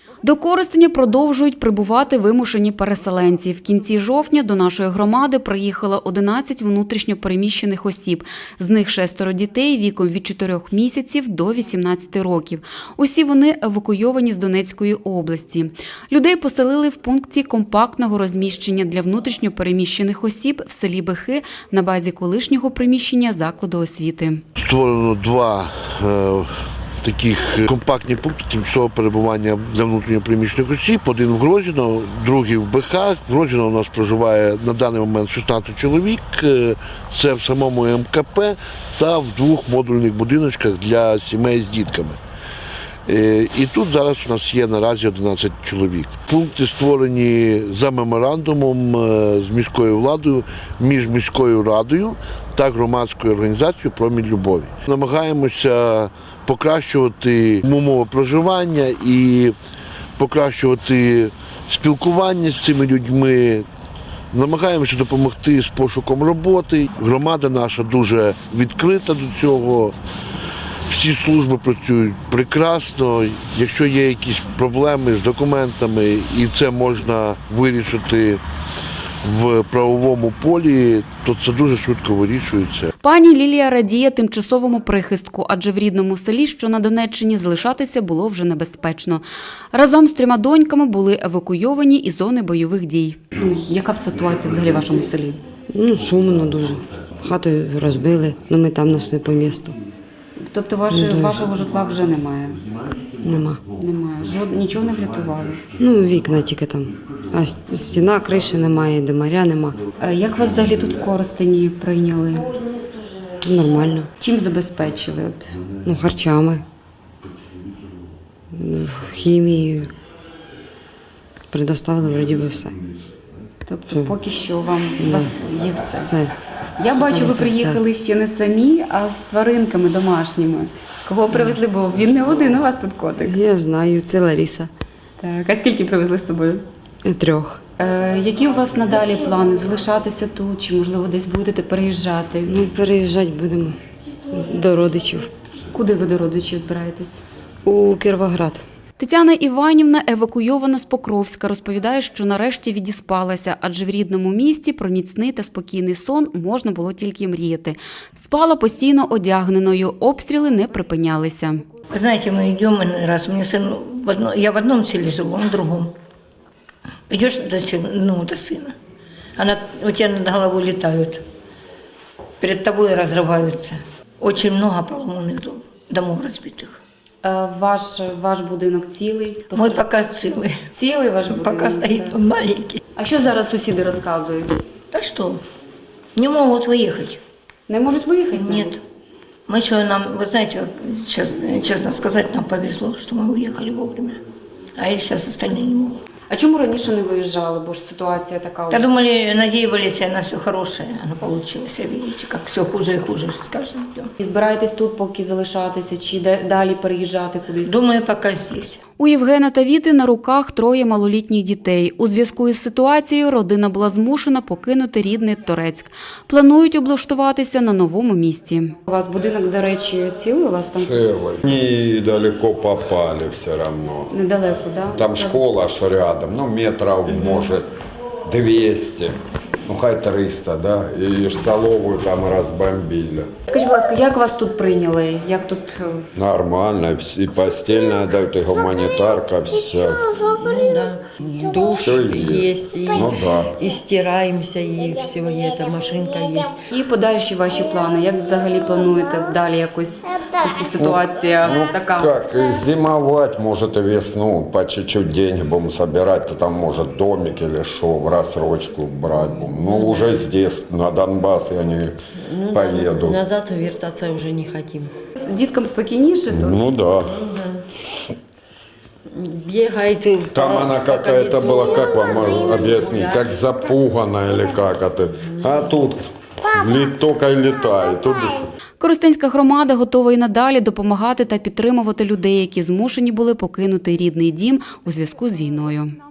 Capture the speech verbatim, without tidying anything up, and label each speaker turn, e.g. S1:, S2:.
S1: До Коростеня продовжують прибувати вимушені переселенці. В кінці жовтня до нашої громади приїхало одинадцять внутрішньо переміщених осіб. З них шестеро дітей віком від чотирьох місяців до вісімнадцяти років. Усі вони евакуйовані з Донецької області. Людей поселили в пункті компактного розміщення для внутрішньо переміщених осіб в селі Бехи на базі колишнього приміщення закладу освіти.
S2: Створено два е таких компактні пункти тимчасового перебування для внутрішньо переміщених осіб. Один в Грозіно, другий в Бехах. В Грозіно у нас проживає на даний момент шістнадцять чоловік. Це в самому ем ка пе та в двох модульних будиночках для сімей з дітками. І тут зараз у нас є наразі одинадцять чоловік. Пункти створені за меморандумом з міською владою, між міською радою та громадською організацією «Промінь любові». Намагаємося покращувати умови проживання і покращувати спілкування з цими людьми. Намагаємося допомогти з пошуком роботи. Громада наша дуже відкрита до цього. Всі служби працюють прекрасно. Якщо є якісь проблеми з документами і це можна вирішити в правовому полі, то це дуже швидко вирішується.
S1: Пані Лілія радіє тимчасовому прихистку, адже в рідному селі, що на Донеччині, залишатися було вже небезпечно. Разом з трьома доньками були евакуйовані із зони бойових дій. Яка ситуація взагалі в вашому селі?
S3: Ну, шумно дуже. Хату розбили, але ми там знайшли по місту.
S1: Тобто ваше, вашого житла вже немає?
S3: Нема.
S1: Немає. Жод... Нічого не врятували?
S3: Ну, вікна тільки там. А стіна, криші немає, димаря нема.
S1: Як вас взагалі тут в Коростені прийняли?
S3: Нормально.
S1: Чим забезпечили? От?
S3: Ну, харчами, хімією. Предоставили, вроді би, все.
S1: Тобто
S3: Все.
S1: поки що вам у вас є все?
S3: Все.
S1: Я бачу, ви
S3: Все,
S1: приїхали ще не самі, а з тваринками домашніми. Кого привезли, бо він не один у вас тут котик.
S3: Я знаю, це Лариса.
S1: Так, а скільки привезли з собою?
S3: Трьох.
S1: Е, які у вас надалі плани? Залишатися тут чи, можливо, десь будете переїжджати?
S3: Ну, переїжджати будемо до родичів.
S1: Куди ви до родичів збираєтесь?
S3: У Кіровоград.
S1: Тетяна Іванівна евакуйована з Покровська. Розповідає, що нарешті відіспалася, адже в рідному місті про міцний та спокійний сон можна було тільки мріяти. Спала постійно одягненою, обстріли не припинялися.
S4: Вы знаете, мы идем, иной раз, мне сын, в одно, я в одном селе живу, он в другом. Идешь до сына, ну, до сына, она, у тебя над головой летают, перед тобой разрываются. Очень много поломанных дом, домов разбитых.
S1: Ваш, ваш будинок цілий?
S4: Мой пока целый.
S1: Цілий ваш будинок?
S4: Пока стоит он маленький.
S1: А що зараз сусіди розказують?
S4: Да что, не могут выехать.
S1: Не можуть виїхати?
S4: Нет. Мы еще нам, вы знаете, честно, честно сказать, нам повезло, что мы уехали вовремя. А и сейчас остальные не могут.
S1: А чому раніше не виїжджали, бо ж ситуація така?
S4: Я думали, надеялись на все хорошее, оно получилось, видите, как все хуже и хуже с каждым днем.
S1: І збираєтесь тут поки залишатися, чи де- далі переїжджати кудись?
S4: Думаю, пока здесь.
S1: У Євгена та Віти на руках троє малолітніх дітей. У зв'язку із ситуацією родина була змушена покинути рідний Торецьк. Планують облаштуватися на новому місці. У вас будинок, до речі, цілий? У вас там
S5: Целый. Недалеко попали все равно.
S1: недалеко, так?
S5: Там школа аж рядом, ну метров может двести, ну хай триста, да, и столовую там разбомбили.
S1: Скажіть, будь ласка, як вас тут прийняли? Як тут е,
S5: Нормально, и постельная дают, и гуманитарка, все.
S6: Ну да, душ
S5: Всё есть.
S6: есть, и,
S5: Ну да.
S6: и стираемся, и все, и эта машинка есть.
S1: і подальші ваші плани? Як взагалі плануєте далі якось поки ситуація
S5: Ну
S1: така?
S5: как, и зимовать, может и весну, по чуть-чуть деньги будем собирать, то там может домик или что, в рассрочку брать. Ну уже здесь, на Донбасс я не
S6: Ну,
S5: поеду.
S6: назад вертаться уже не хотим.
S1: Діткам спокійніше тут?
S5: Ну да.
S6: Бегает и
S5: Там
S6: по-
S5: она
S6: по
S5: какая-то
S6: коридору.
S5: была, как вам объяснить, как запуганная или как это. А тут ли- только и летает. Тут...
S1: Коростенська громада готова і надалі допомагати та підтримувати людей, які змушені були покинути рідний дім у зв'язку з війною.